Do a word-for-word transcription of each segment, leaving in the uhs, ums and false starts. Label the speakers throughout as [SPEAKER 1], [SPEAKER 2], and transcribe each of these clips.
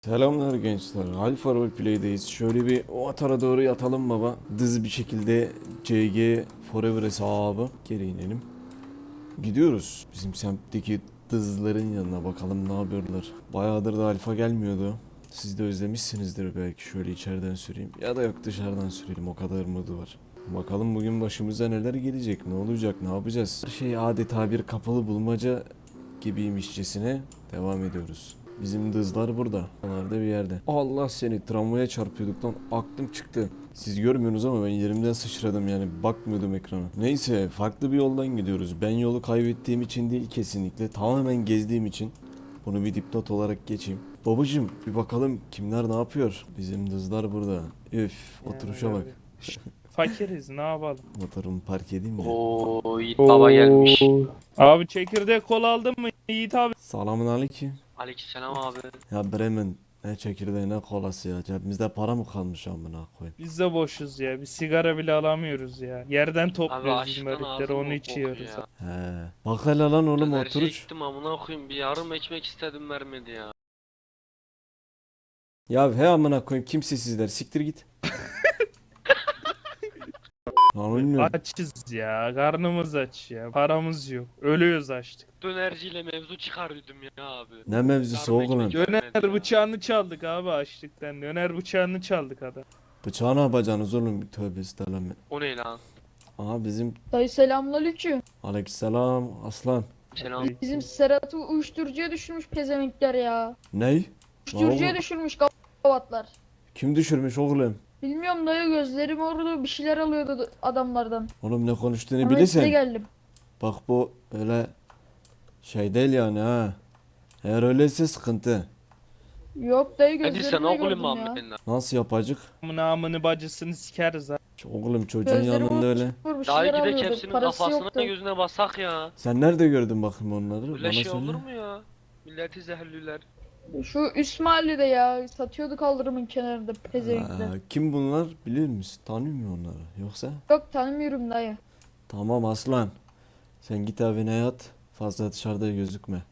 [SPEAKER 1] Selamlar gençler. Alfa Roleplay'deyiz. Şöyle bir o atara doğru yatalım baba. Dız bir şekilde C G Forever hesabı. Geri inelim. Gidiyoruz. Bizim semtteki dızların yanına bakalım ne yapıyorlar. Bayağıdır da alfa gelmiyordu. Siz de özlemişsinizdir belki. Şöyle içeriden süreyim. Ya da yok dışarıdan sürelim. O kadar modu var. Bakalım bugün başımıza neler gelecek. Ne olacak? Ne yapacağız? Her şey adeta bir kapalı bulmaca gibiymişçesine devam ediyoruz. Bizim dızlar burada. Onlar da bir yerde. Allah seni, tramvaya çarpıyorduk lan. Aklım çıktı. Siz görmüyorsunuz ama ben yerimden sıçradım yani. Bakmıyordum ekrana. Neyse, farklı bir yoldan gidiyoruz. Ben yolu kaybettiğim için değil kesinlikle. Tamamen gezdiğim için. Bunu bir dipnot olarak geçeyim. Babacım bir bakalım kimler ne yapıyor. Bizim dızlar burada. Üf, oturuşa bak.
[SPEAKER 2] Fakiriz, ne yapalım?
[SPEAKER 1] Motorumu park edeyim de.
[SPEAKER 3] Oo, Yiğit Baba gelmiş.
[SPEAKER 2] Abi çekirdek kola aldın mı Yiğit abi?
[SPEAKER 1] Selamun aleyküm.
[SPEAKER 3] Aleykümselam abi.
[SPEAKER 1] Ya Bremen ne çekirdeği ne kolası ya. Cebimizde para mı kalmış amına koyayım.
[SPEAKER 2] Biz de boşuz ya. Bir sigara bile alamıyoruz ya. Yerden
[SPEAKER 3] Abi
[SPEAKER 2] topluyoruz
[SPEAKER 3] açlıktan
[SPEAKER 2] izmaritleri,
[SPEAKER 3] ağzım
[SPEAKER 2] onu
[SPEAKER 3] bok
[SPEAKER 2] içiyoruz.
[SPEAKER 3] ya.
[SPEAKER 1] He. Bak hele lan oğlum
[SPEAKER 3] Dönerciye
[SPEAKER 1] oturuş.
[SPEAKER 3] gittim amına koyayım, bir yarım ekmek istedim vermedi ya.
[SPEAKER 1] Ya he amına koyayım kimsesizler siktir git. Lan bilmiyorum.
[SPEAKER 2] Açız ya. Karnımız aç ya. Paramız yok. Ölüyoruz açtık.
[SPEAKER 3] Dönerciyle mevzu çıkarıyordum ya abi.
[SPEAKER 1] Ne mevzusu
[SPEAKER 3] Yarım
[SPEAKER 1] oğlum?
[SPEAKER 3] ekmek vermedi
[SPEAKER 2] Döner
[SPEAKER 3] ya.
[SPEAKER 2] bıçağını çaldık abi açlıktan. Döner bıçağını çaldık adam.
[SPEAKER 1] Bıçağı ne yapacaksınız oğlum? Tövbe estağfurullah.
[SPEAKER 3] O ne lan?
[SPEAKER 1] Aha bizim
[SPEAKER 4] Dayı selamünaleyküm.
[SPEAKER 1] aleykümselam aslan.
[SPEAKER 3] Selam.
[SPEAKER 4] Bizim Serhat'ı uyuşturucuya düşürmüş pezevenkler ya.
[SPEAKER 1] Ney?
[SPEAKER 4] Uyuşturucuya
[SPEAKER 1] oğlum?
[SPEAKER 4] düşürmüş gavatlar.
[SPEAKER 1] Kim düşürmüş oğlum?
[SPEAKER 4] Bilmiyorum dayı, gözlerim orada bir şeyler alıyordu adamlardan.
[SPEAKER 1] Oğlum ne konuştuğunu
[SPEAKER 4] Hemen size
[SPEAKER 1] bilirsen.
[SPEAKER 4] geldim.
[SPEAKER 1] Bak bu öyle şey değil yani ha. Eğer öyleyse sıkıntı.
[SPEAKER 4] Yok dayı,
[SPEAKER 3] Hadi sen
[SPEAKER 4] gözlerimle
[SPEAKER 3] oğlum
[SPEAKER 4] gördüm ya.
[SPEAKER 3] Muhammed lan.
[SPEAKER 1] Nasıl yapacak?
[SPEAKER 2] Amına amını bacısını sikeriz ha.
[SPEAKER 1] Oğlum çocuğun
[SPEAKER 4] Gözlerim
[SPEAKER 1] yanında öyle.
[SPEAKER 4] vurmuş, bir
[SPEAKER 3] Daha
[SPEAKER 4] şeyler
[SPEAKER 3] gidek
[SPEAKER 4] alıyordu.
[SPEAKER 3] hepsinin
[SPEAKER 4] Parası
[SPEAKER 3] kafasına
[SPEAKER 4] yoktu.
[SPEAKER 3] gözüne basak ya.
[SPEAKER 1] Sen nerede gördün bakayım onları?
[SPEAKER 3] Böyle
[SPEAKER 1] Bana
[SPEAKER 3] şey
[SPEAKER 1] söyle.
[SPEAKER 3] olur mu ya? Milleti zehirliler.
[SPEAKER 4] Şu üst mahallede ya, satıyordu kaldırımın kenarında pezevenkler.
[SPEAKER 1] Ha, kim bunlar bilir misin? Tanıyor musun onları? Yoksa?
[SPEAKER 4] Yok, tanımıyorum dayı.
[SPEAKER 1] Tamam aslan. Sen git evine yat. Fazla dışarıda gözükme.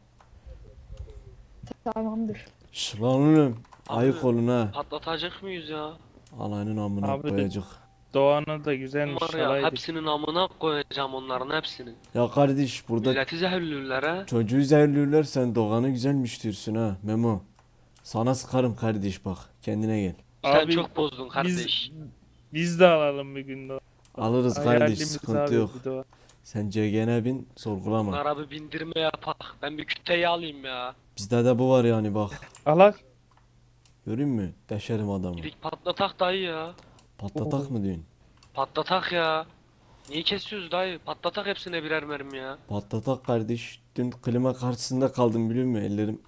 [SPEAKER 4] Tamamdır.
[SPEAKER 1] Şş lan oğlum.
[SPEAKER 3] Abi.
[SPEAKER 1] Ayık olun ha.
[SPEAKER 3] Patlatacak mıyız ya?
[SPEAKER 1] Alayının amına
[SPEAKER 2] Abi de-
[SPEAKER 1] koyacak.
[SPEAKER 2] Doğanı da güzelmiş.
[SPEAKER 3] Var ya,
[SPEAKER 2] Alaydık.
[SPEAKER 3] hepsinin amına koyacağım onların hepsinin.
[SPEAKER 1] Ya kardeş burada
[SPEAKER 3] Milleti zehirliler ha.
[SPEAKER 1] çocuğu zehirliyorlar sen Doğan'ı güzelmiş diyorsun ha Memo. Sana sıkarım kardeş bak. Kendine gel.
[SPEAKER 3] Sen
[SPEAKER 2] Abi,
[SPEAKER 3] çok bozdun kardeş.
[SPEAKER 2] Biz, biz de alalım bir gün de.
[SPEAKER 1] Alırız kardeş
[SPEAKER 2] Hayalimiz
[SPEAKER 1] sıkıntı
[SPEAKER 2] abi
[SPEAKER 1] yok.
[SPEAKER 2] bir de o.
[SPEAKER 1] Sen C G N'e bin sorgulama.
[SPEAKER 3] Bunlara bir bindirme yapak. Ben bir küteyi alayım ya.
[SPEAKER 1] Bizde de bu var yani bak.
[SPEAKER 2] Alak.
[SPEAKER 1] Görün mü? Deşerim adamı.
[SPEAKER 3] Gidik patlatak dayı ya.
[SPEAKER 1] Patlatak mı diyorsun?
[SPEAKER 3] Patlatak ya. Niye kesiyoruz dayı? Patlatak hepsine birer mermi ya.
[SPEAKER 1] Patlatak kardeş. Dün klima karşısında kaldım biliyor musun? Ellerim.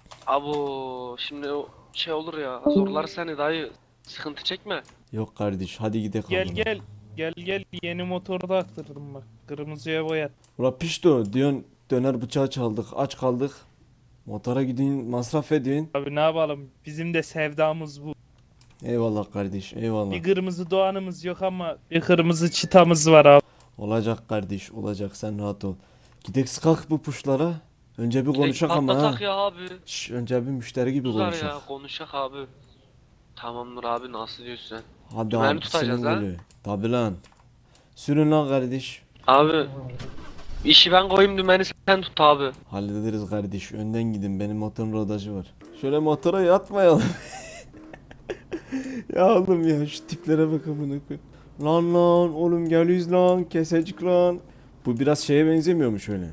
[SPEAKER 3] Abo şimdi o şey olur ya. Zorlar seni dayı. Sıkıntı çekme.
[SPEAKER 1] Yok kardeş hadi gidelim.
[SPEAKER 2] Gel gel. Gel gel, yeni motoru da aktırdım bak. Kırmızıya boyat.
[SPEAKER 1] Ula pişto diyorsun döner bıçağı çaldık aç kaldık. Motora gidiyorsun masraf ediyorsun.
[SPEAKER 2] Abi ne yapalım? Bizim de sevdamız bu.
[SPEAKER 1] Eyvallah kardeş eyvallah.
[SPEAKER 2] Bir kırmızı doğanımız yok ama bir kırmızı çıtamız var abi.
[SPEAKER 1] Olacak kardeş olacak sen rahat ol. Gidek sıkak bu puşlara. Önce bir
[SPEAKER 3] Gidelim
[SPEAKER 1] konuşak ama ha.
[SPEAKER 3] patlatak ya abi.
[SPEAKER 1] Şş, önce bir müşteri gibi
[SPEAKER 3] Uzar
[SPEAKER 1] konuşak.
[SPEAKER 3] ya, konuşak abi. Tamamdır abi, nasıl diyorsun sen?
[SPEAKER 1] Hadi
[SPEAKER 3] Dümen
[SPEAKER 1] abi
[SPEAKER 3] tutacağız
[SPEAKER 1] senin
[SPEAKER 3] ha?
[SPEAKER 1] golü. Tabi lan. Sürün lan kardeş.
[SPEAKER 3] Abi işi ben koyayım, dümeni sen tut abi.
[SPEAKER 1] Hallederiz kardeş. Önden gidin. Benim motorun rodajı var. Şöyle motora yatmayalım. Ya oğlum ya şu tiplere bak amına koy. Lan lan oğlum geliyoruz lan kesecik lan. Bu biraz şeye benzemiyor mu şöyle?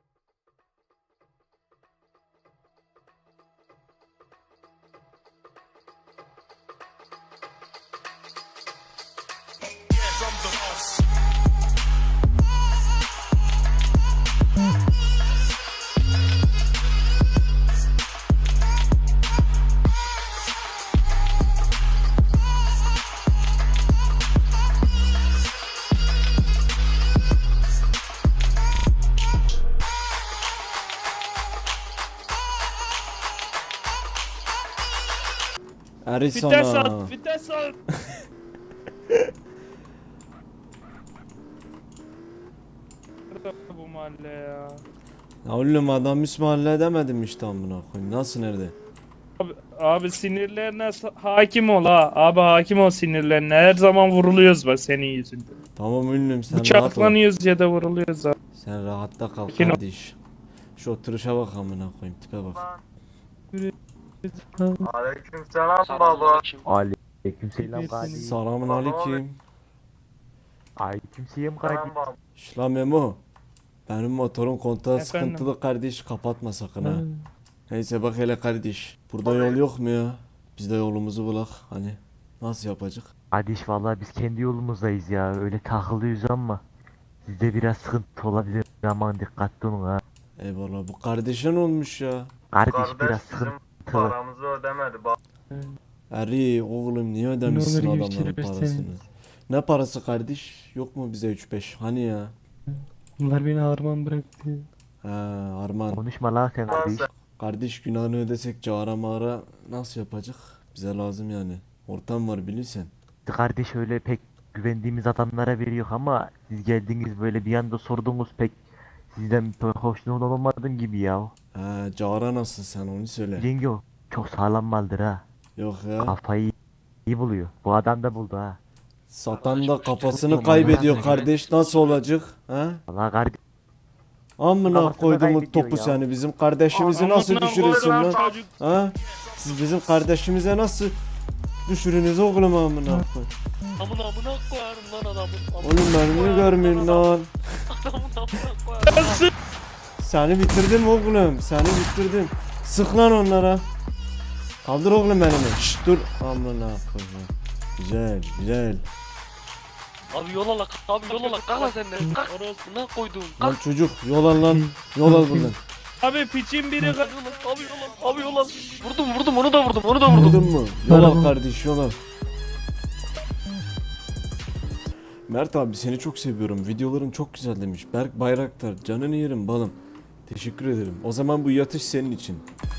[SPEAKER 2] Vites
[SPEAKER 1] Arizona.
[SPEAKER 2] at, vites at. Bu mahalle ya.
[SPEAKER 1] Ya oğlum adam ismi halledemedim işte amına koyayım. Nasıl nerede?
[SPEAKER 2] Abi, abi sinirlerine sa- hakim ol ha. Abi hakim ol sinirlerine. Her zaman vuruluyoruz bak senin yüzünden.
[SPEAKER 1] Tamam ünlüm sen rahat ol.
[SPEAKER 2] Bıçaklanıyoruz ya da vuruluyoruz abi.
[SPEAKER 1] Sen rahatta kal
[SPEAKER 2] Sakin ol.
[SPEAKER 1] kardeş. Şu oturuşa bak amına koyayım tipe bak.
[SPEAKER 5] Aleykümselam baba.
[SPEAKER 3] Selamünaleyküm.
[SPEAKER 6] Aleykümselam kardeş.
[SPEAKER 1] Selamun aleyküm.
[SPEAKER 6] Aleykümselam kardeş.
[SPEAKER 5] Selam baba.
[SPEAKER 1] Şla Memo. Benim motorun kontağı
[SPEAKER 2] Efendim?
[SPEAKER 1] sıkıntılı kardeş kapatma sakın ha. Neyse bak hele kardeş. Burada yol yok mu ya? Biz de yolumuzu bulak hani. Nasıl yapacak?
[SPEAKER 6] Kardeş vallahi biz kendi yolumuzdayız ya. Öyle takılıyoruz ama sizde biraz sıkıntı olabilir. Aman dikkatli olun ha.
[SPEAKER 1] Eyvallah bu kardeşin olmuş ya.
[SPEAKER 6] Kardeş,
[SPEAKER 5] Kardeş
[SPEAKER 6] biraz
[SPEAKER 5] bizim
[SPEAKER 6] sıkıntılı.
[SPEAKER 5] paramızı ödemedi. Bak
[SPEAKER 1] Eri oğlum niye ödemişsin
[SPEAKER 7] olur
[SPEAKER 1] adamların
[SPEAKER 7] geçirir
[SPEAKER 1] parasını?
[SPEAKER 7] seni.
[SPEAKER 1] Ne parası kardeş? Yok mu bize üç beş? Hani ya?
[SPEAKER 7] Bunlar beni harman bıraktı.
[SPEAKER 1] Ha Arman.
[SPEAKER 6] Konuşma lan sen kardeş.
[SPEAKER 1] Kardeş günahını ödesek cara mağara nasıl yapacak? Bize lazım yani. Ortam var bilirsen.
[SPEAKER 6] Kardeş öyle pek güvendiğimiz adamlara veriyor ama siz geldiniz böyle bir anda sordunuz pek sizden pek hoşnut olmadım gibi ya.
[SPEAKER 1] Ha cara nasıl sen onu söyle.
[SPEAKER 6] Cengi o çok sağlam maldır ha.
[SPEAKER 1] Yok ya.
[SPEAKER 6] Kafayı iyi buluyor. Bu adam da buldu ha.
[SPEAKER 1] Satan da kafasını
[SPEAKER 6] Tamam,
[SPEAKER 1] kaybediyor
[SPEAKER 6] tamam.
[SPEAKER 1] kardeş. Nasıl olacak? Ha?
[SPEAKER 6] Valla kardeş
[SPEAKER 1] Amına
[SPEAKER 6] Kafasını
[SPEAKER 1] koyduğumun
[SPEAKER 6] kaybediyor
[SPEAKER 1] topu
[SPEAKER 6] ya.
[SPEAKER 1] seni. Bizim kardeşimizi nasıl
[SPEAKER 2] Amına
[SPEAKER 1] düşürürsün
[SPEAKER 2] koyduğum
[SPEAKER 1] lan?
[SPEAKER 2] çocuk.
[SPEAKER 1] Ha? Siz bizim kardeşimize nasıl düşürünüz oğlum amına koy.
[SPEAKER 3] Amına amına koyarım lan adamın. Amına
[SPEAKER 1] Oğlum beni niye görmüyorsun lan?
[SPEAKER 3] Adamın amına koyarım.
[SPEAKER 1] Seni bitirdim oğlum. Seni bitirdim. Sık lan onlara. Kaldır oğlum elini. Şşt dur. Amına koyayım. Güzel güzel.
[SPEAKER 3] Abi yol ala abi yol ala kalk lan sen de. Kalk. Orasına koydum.
[SPEAKER 1] Lan
[SPEAKER 3] Kalk.
[SPEAKER 1] çocuk yol al lan. Yol al buradan.
[SPEAKER 2] Abi piçin biri
[SPEAKER 3] Abi yol al. Abi yol al. Abi yol al. Vurdum vurdum onu da vurdum onu da vurdum.
[SPEAKER 1] Vurdun mu? Yol al
[SPEAKER 7] Arabam.
[SPEAKER 1] kardeş yol al. Mert abi seni çok seviyorum. Videoların çok güzel demiş. Berk Bayraktar. Canını yerim balım. Teşekkür ederim. O zaman bu yatış senin için.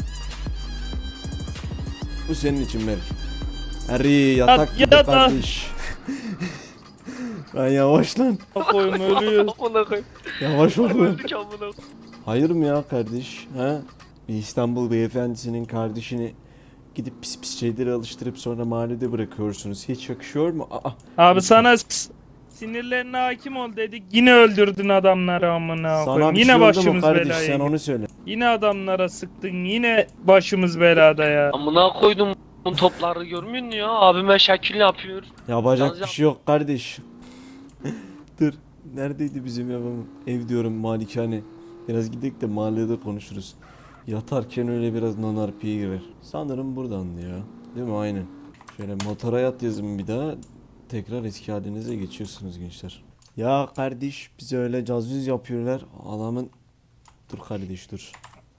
[SPEAKER 1] Bu senin için Berk. Eri yatak gibi
[SPEAKER 2] yat lan.
[SPEAKER 1] kardeş. Lan yavaş lan.
[SPEAKER 2] koyun ölüyoruz.
[SPEAKER 3] Amına koyayım.
[SPEAKER 1] Yavaş ol lan.
[SPEAKER 3] Öldük amına koyayım.
[SPEAKER 1] Hayır mı ya kardeş? Ha? Bir İstanbul beyefendisinin kardeşini gidip pis pis şeyleri alıştırıp sonra mahallede bırakıyorsunuz. Hiç yakışıyor mu? Aa,
[SPEAKER 2] Abi sana s- sinirlerine hakim ol dedik. Yine öldürdün adamları amına
[SPEAKER 1] sana
[SPEAKER 2] koyayım.
[SPEAKER 1] bir
[SPEAKER 2] Yine
[SPEAKER 1] şey oldu mu
[SPEAKER 2] başımız
[SPEAKER 1] kardeş?
[SPEAKER 2] belaya.
[SPEAKER 1] Sen
[SPEAKER 2] girdi.
[SPEAKER 1] onu söyle.
[SPEAKER 2] Yine adamlara sıktın. Yine başımız belada ya.
[SPEAKER 3] Amına koydum. Bu topları görmüyor musun ya? Abime şekil yapıyor.
[SPEAKER 1] Yapacak
[SPEAKER 3] Yalnız
[SPEAKER 1] bir şey yok kardeş. Dur. Neredeydi bizim evim? Ev diyorum malikane. Biraz gidelim de mahallede konuşuruz. Yatarken öyle biraz nanarpiye girer. Sanırım buradan ya. Değil mi? Aynen. Şöyle motora yat yazın bir daha. Tekrar eski halinize geçiyorsunuz gençler. Ya kardeş bize öyle cazüz yapıyorlar. Adamın... Dur kardeş dur.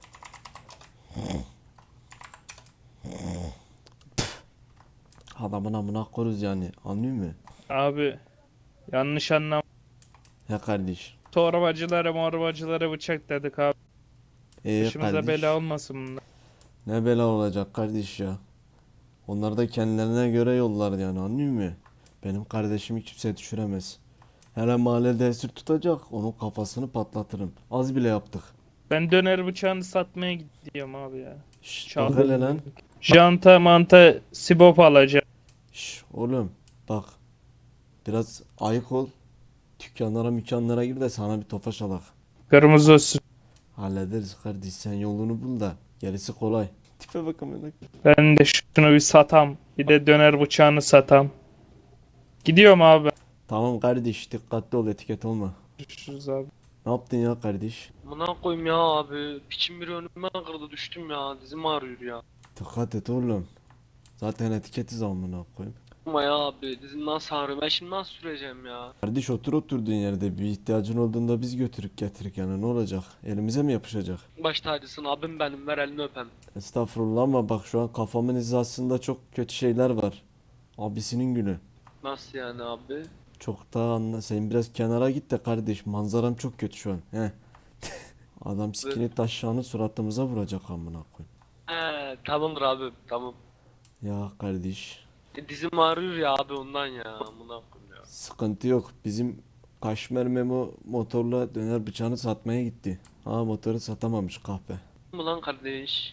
[SPEAKER 1] Adamın amına koruz yani. Anlıyor musun?
[SPEAKER 2] Abi yanlış anlam.
[SPEAKER 1] Ya kardeş.
[SPEAKER 2] Torbacılara morbacılara bıçak dedik abi.
[SPEAKER 1] Ee
[SPEAKER 2] Başımıza
[SPEAKER 1] kardeş.
[SPEAKER 2] bela olmasın bunlar.
[SPEAKER 1] Ne bela olacak kardeş ya. Onlar da kendilerine göre yollar yani anlıyor musun? Benim kardeşimi kimse düşüremez. Hele mahallede esir tutacak onun kafasını patlatırım. Az bile yaptık.
[SPEAKER 2] Ben döner bıçağını satmaya gidiyorum abi ya.
[SPEAKER 1] Şşş
[SPEAKER 2] Çaldı.
[SPEAKER 1] bak hele lan.
[SPEAKER 2] Janta manta sibop alacağım.
[SPEAKER 1] Şşş oğlum bak. Biraz ayık ol. Dükkanlara mükkanlara gir de sana bir tofaş alak.
[SPEAKER 2] Kırmızı olsun.
[SPEAKER 1] Hallederiz kardeş sen yolunu bul da. Gerisi kolay. Tipe bak amına.
[SPEAKER 2] Ben de şunu bir satam. Bir de döner bıçağını satam. Gidiyorum abi.
[SPEAKER 1] Tamam kardeş dikkatli ol etiket olma.
[SPEAKER 2] Görüşürüz abi.
[SPEAKER 1] Ne yaptın ya kardeş?
[SPEAKER 3] Amına koyayım ya abi. Piçim biri önüme kırdı düştüm ya. Dizim ağrıyor ya.
[SPEAKER 1] Dikkat et oğlum. Zaten etiketiz amına koyayım.
[SPEAKER 3] Ama ya abi dizim nasıl ağrıyor? Ben şimdi nasıl süreceğim ya?
[SPEAKER 1] Kardeş otur oturduğun yerde bir ihtiyacın olduğunda biz götürük getirik yani ne olacak? Elimize mi yapışacak?
[SPEAKER 3] Baş tacısın abim benim ver elini öpem.
[SPEAKER 1] Estağfurullah ama bak şu an kafamın hizasında çok kötü şeyler var. Abisinin günü.
[SPEAKER 3] Nasıl yani abi?
[SPEAKER 1] Çok daha anla. Sen biraz kenara git de kardeş manzaram çok kötü şu an. He. Adam sikini taşağını suratımıza vuracak amına koyayım.
[SPEAKER 3] He tamamdır abi tamam.
[SPEAKER 1] Ya kardeş
[SPEAKER 3] E, dizim ağrıyor ya abi ondan ya. Amına koyayım ya.
[SPEAKER 1] sıkıntı yok. Bizim Kaşmer Memo motorla döner bıçağını satmaya gitti. Ha motoru satamamış kahpe.
[SPEAKER 3] Mı lan kardeş?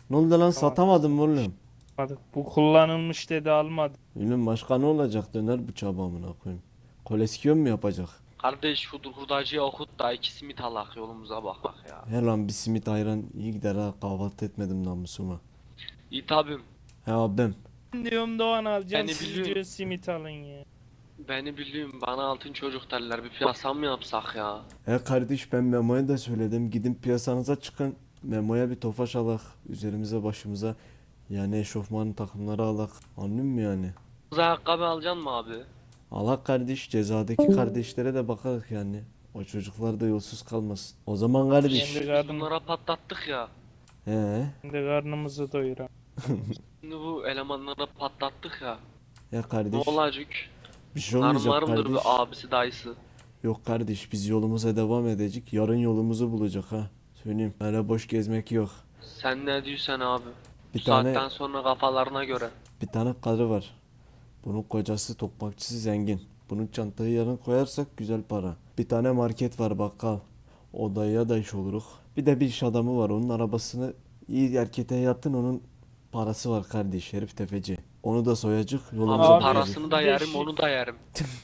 [SPEAKER 1] Ne oldu lan, satamadım mı oğlum?
[SPEAKER 2] Almadık. Bu kullanılmış dedi almadı.
[SPEAKER 1] Oğlum başka ne olacak, döner bıçağı amına koyayım. Koleksiyon mu yapacak?
[SPEAKER 3] Kardeş şu hurdacıya okut da iki simit alak yolumuza bak bak ya.
[SPEAKER 1] Her lan bir simit ayran iyi gider ha, kahvaltı etmedim namusuma.
[SPEAKER 3] İyi tabim.
[SPEAKER 1] He abim.
[SPEAKER 2] Diyorum Doğan alacağım.
[SPEAKER 3] Beni
[SPEAKER 2] Siz
[SPEAKER 3] biliyorum.
[SPEAKER 2] diyor simit alın ya.
[SPEAKER 3] Beni biliyorum bana altın çocuk derler bir piyasa mı yapsak ya?
[SPEAKER 1] He kardeş, ben Memo'ya da söyledim. Gidin piyasanıza çıkın. Memo'ya bir tofaş alak. Üzerimize başımıza yani eşofman takımları alak. Anladın mı yani?
[SPEAKER 3] Kız ayakkabı alacaksın mı abi?
[SPEAKER 1] Alak kardeş, cezadaki kardeşlere de bakarız yani. O çocuklar da yolsuz kalmasın. O zaman kardeş.
[SPEAKER 2] Kendi
[SPEAKER 3] Biz
[SPEAKER 2] karnım,
[SPEAKER 3] bunlara patlattık ya.
[SPEAKER 1] He.
[SPEAKER 2] kendi karnımızı doyuran.
[SPEAKER 3] Şimdi bu elemanlara patlattık ya.
[SPEAKER 1] Ya
[SPEAKER 3] Ne
[SPEAKER 1] kardeş.
[SPEAKER 3] olacak?
[SPEAKER 1] Bir şey olmayacak
[SPEAKER 3] Narmarımdır
[SPEAKER 1] kardeş.
[SPEAKER 3] bir abisi dayısı.
[SPEAKER 1] Yok kardeş, biz yolumuza devam edecek. Yarın yolumuzu bulacak ha. Söyleyeyim. Öyle boş gezmek yok.
[SPEAKER 3] Sen ne diyorsun abi?
[SPEAKER 1] Bir
[SPEAKER 3] Bu
[SPEAKER 1] tane
[SPEAKER 3] saatten sonra kafalarına göre.
[SPEAKER 1] bir tane karı var. Bunun kocası tokmakçısı zengin. Bunun çantayı yarın koyarsak güzel para. Bir tane market var, bakkal. O dayıya da iş oluruk. Bir de bir iş adamı var. Onun arabasını iyi erkete yatın, onun parası var kardeş. Herif tefeci. Onu da soyacak, yolumuza
[SPEAKER 3] Abi
[SPEAKER 2] Abi,
[SPEAKER 1] bulacak.
[SPEAKER 3] parasını da
[SPEAKER 2] bir de
[SPEAKER 3] yerim
[SPEAKER 2] şey-
[SPEAKER 3] onu da yerim.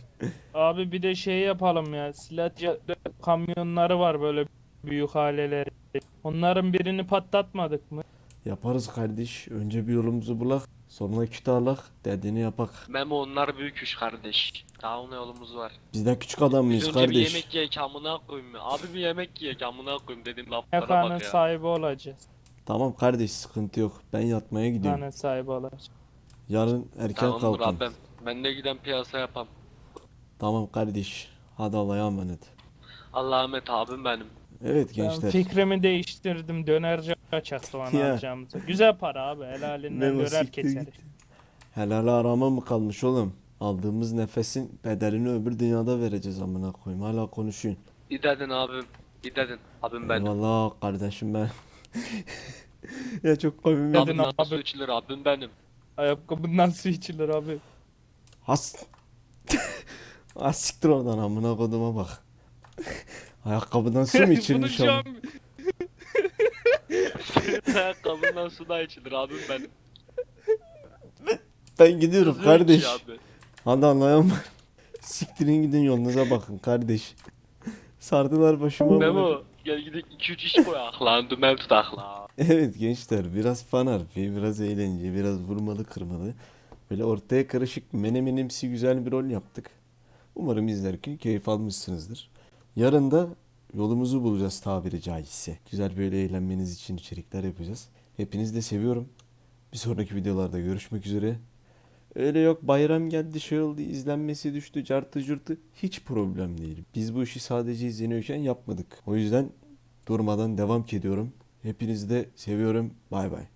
[SPEAKER 2] Abi bir de şey yapalım ya. Silahçı kamyonları var böyle büyük haleleri. Onların birini patlatmadık mı?
[SPEAKER 1] Yaparız kardeş. Önce bir yolumuzu bulak. Sonra kütü alak. Dediğini yapak.
[SPEAKER 3] Memo onlar büyük iş kardeş. Daha ona yolumuz var.
[SPEAKER 1] Biz de küçük adam
[SPEAKER 3] Biz
[SPEAKER 1] mıyız
[SPEAKER 3] önce bir
[SPEAKER 1] kardeş?
[SPEAKER 3] yemek yiyek amına koyayım ya. Abi bir yemek yiyek amına koyayım dedim laflara
[SPEAKER 2] Mekanın
[SPEAKER 3] bak ya.
[SPEAKER 2] sahibi olacağız.
[SPEAKER 1] Tamam kardeş, sıkıntı yok. Ben yatmaya gidiyorum.
[SPEAKER 2] Mekanın sahibi olacağız.
[SPEAKER 1] Yarın erken
[SPEAKER 3] Tamamdır
[SPEAKER 1] kalkın.
[SPEAKER 3] abim. Ben de giden piyasa yapam.
[SPEAKER 1] Tamam kardeş. Hadi Allah'a emanet.
[SPEAKER 3] Allah'a emanet abim benim.
[SPEAKER 1] Evet
[SPEAKER 2] Ben
[SPEAKER 1] gençler.
[SPEAKER 2] fikrimi değiştirdim. Dönerci açaktı ona
[SPEAKER 1] Ya.
[SPEAKER 2] alacağımızı. Güzel para abi. Helalinden
[SPEAKER 1] Memo
[SPEAKER 2] döner
[SPEAKER 1] siktir
[SPEAKER 2] keseriz.
[SPEAKER 1] git. Helal arama mı kalmış oğlum? Aldığımız nefesin bedelini öbür dünyada vereceğiz amına koyayım. Hala konuşuyorsun.
[SPEAKER 3] İyi dedin abim. İyi dedin. Abim benim.
[SPEAKER 1] Eyvallah kardeşim ben. Ya çok komik.
[SPEAKER 2] Dedin
[SPEAKER 3] Abimden
[SPEAKER 2] abi.
[SPEAKER 3] su içilir abim benim.
[SPEAKER 2] Ayakkabından su içilir abi.
[SPEAKER 1] Has. Has siktir oradan amına koduma bak. Ayakkabıdan su mu içilmiş
[SPEAKER 2] Bunu şu
[SPEAKER 1] ama?
[SPEAKER 2] an
[SPEAKER 3] Senin ayakkabından su da içilir abim benim.
[SPEAKER 1] Ben gidiyorum
[SPEAKER 3] Kızıyor ki
[SPEAKER 1] kardeş.
[SPEAKER 3] abi.
[SPEAKER 1] Hadi anlayamam. Siktirin gidin yolunuza bakın kardeş. Sardılar başıma. amına koyayım.
[SPEAKER 3] Memo gel gidelim iki üç iş koyak lan dümen tutak lan.
[SPEAKER 1] Evet gençler, biraz fan harfi, biraz eğlence, biraz vurmalı kırmalı. Böyle ortaya karışık menemenimsi güzel bir rol yaptık. Umarım izlerken keyif almışsınızdır. Yarın da yolumuzu bulacağız tabiri caizse. Güzel böyle eğlenmeniz için içerikler yapacağız. Hepinizi de seviyorum. Bir sonraki videolarda görüşmek üzere. Öyle yok bayram geldi şey oldu izlenmesi düştü cartı curtu, hiç problem değil. Biz bu işi sadece izleniyorken yapmadık. O yüzden durmadan devam ediyorum. Hepinizi de seviyorum. Bay bay.